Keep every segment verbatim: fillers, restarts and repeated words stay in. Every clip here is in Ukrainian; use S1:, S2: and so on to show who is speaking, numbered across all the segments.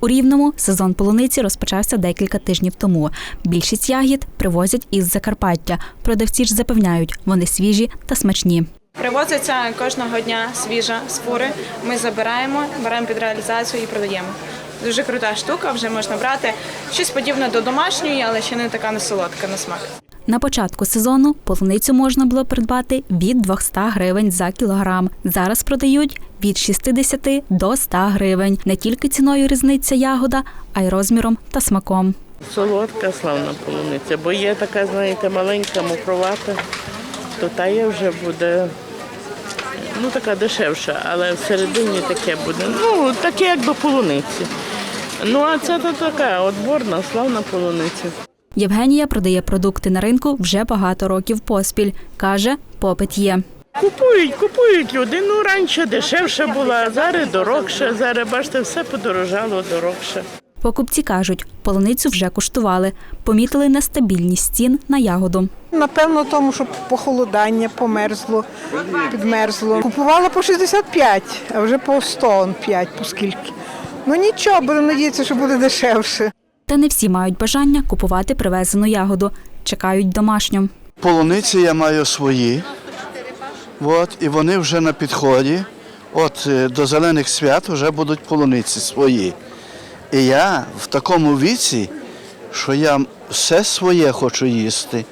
S1: У Рівному сезон полуниці розпочався декілька тижнів тому. Більшість ягід привозять із Закарпаття. Продавці ж запевняють, вони свіжі та смачні.
S2: Привозиться кожного дня свіжа з фури. Ми забираємо, беремо під реалізацію і продаємо. Дуже крута штука, вже можна брати. Щось подібне до домашньої, але ще не така не солодка на смак.
S1: На початку сезону полуницю можна було придбати від двохсот гривень за кілограм. Зараз продають від шістдесяти до ста гривень. Не тільки ціною різниця ягода, а й розміром та смаком.
S3: Солодка, славна полуниця, бо є така, знаєте, маленька, мокровата, то та є вже буде, ну, така дешевша, але всередині таке буде, ну, таке, як до полуниці. Ну, а це то така отборна, славна полуниця.
S1: Євгенія продає продукти на ринку вже багато років поспіль. Каже, попит є.
S3: Купують, купують люди. Ну, раніше дешевше була, а зараз дорогше. Зараз, бачите, все подорожало дорогше.
S1: Покупці кажуть, полуницю вже куштували. Помітили нестабільність цін на ягоду.
S4: Напевно, тому, що похолодання померзло, підмерзло. Купувала по шістдесят п'ять, а вже по сто п'ять, по скільки. Ну нічого, будемо надіятися, що буде дешевше.
S1: Та не всі мають бажання купувати привезену ягоду. Чекають домашню.
S5: Полуниці я маю свої, от, і вони вже на підході. От до зелених свят вже будуть полуниці свої. І я в такому віці, що я все своє хочу їсти.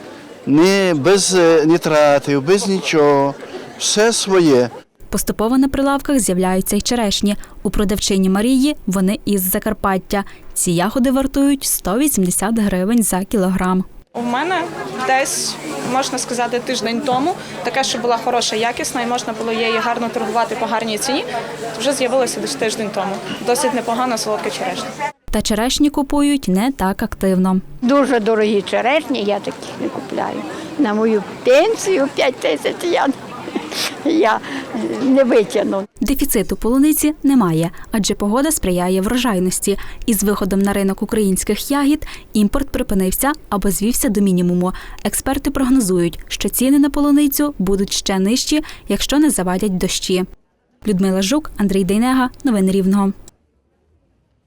S5: Не без нітратів, без нічого, все своє.
S1: Поступово на прилавках з'являються й черешні. У продавчині Марії вони із Закарпаття. Ці ягоди вартують сто вісімдесят гривень за кілограм.
S2: У мене десь, можна сказати, тиждень тому, таке, що була хороша, якісна і можна було її гарно торгувати по гарній ціні, вже з'явилося десь тиждень тому. Досить непогана солодка черешня.
S1: Та черешні купують не так активно.
S6: Дуже дорогі черешні, я таких не купляю. На мою пенсію п'ять тисяч я, я не витягну.
S1: Дефіциту полуниці немає, адже погода сприяє врожайності. Із виходом на ринок українських ягід імпорт припинився або звівся до мінімуму. Експерти прогнозують, що ціни на полуницю будуть ще нижчі, якщо не завадять дощі. Людмила Жук, Андрій Дейнега. Новини Рівного.